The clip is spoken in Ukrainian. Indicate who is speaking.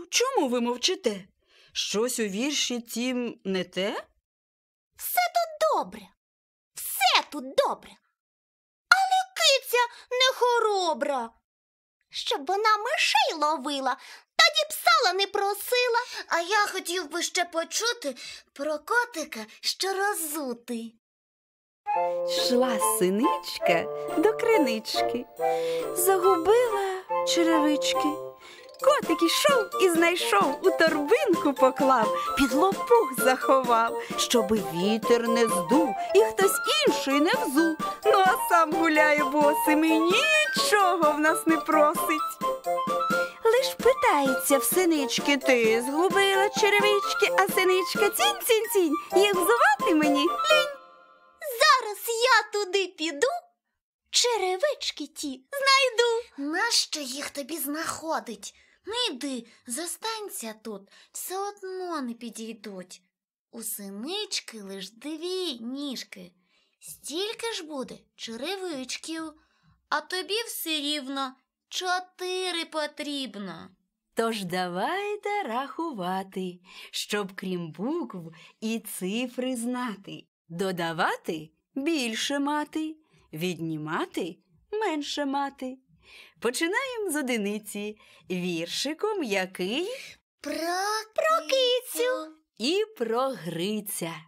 Speaker 1: чому ви мовчите? Щось у вірші тім не те?
Speaker 2: Все тут добре. Все тут добре. Але киця не хоробра. Щоб вона мишей ловила, тоді б сала не просила. А я хотів би ще почути про котика, що розутий.
Speaker 1: Шла синичка до кринички, загубила черевички. Котик ішов і знайшов, у торбинку поклав, під лопух заховав, щоби вітер не здув і хтось інший не взув. Ну а сам гуляє босим і нічого в нас не просить. Лиш питається в синички: ти згубила черевички? А синичка: цінь-цінь-цінь, їх взувати мені лінь.
Speaker 2: Зараз я туди піду, черевички ті знайду. Нащо їх тобі знаходить? Не йди, зостанься тут, все одно не підійдуть. У синички лиш 2 ніжки, стільки ж буде черевичків, а тобі все рівно 4 потрібно.
Speaker 1: Тож давайте рахувати, щоб крім букв і цифри знати. Додавати – більше мати, віднімати – менше мати. Починаємо з одиниці, віршиком який
Speaker 2: Про кицю
Speaker 1: і про Гриця.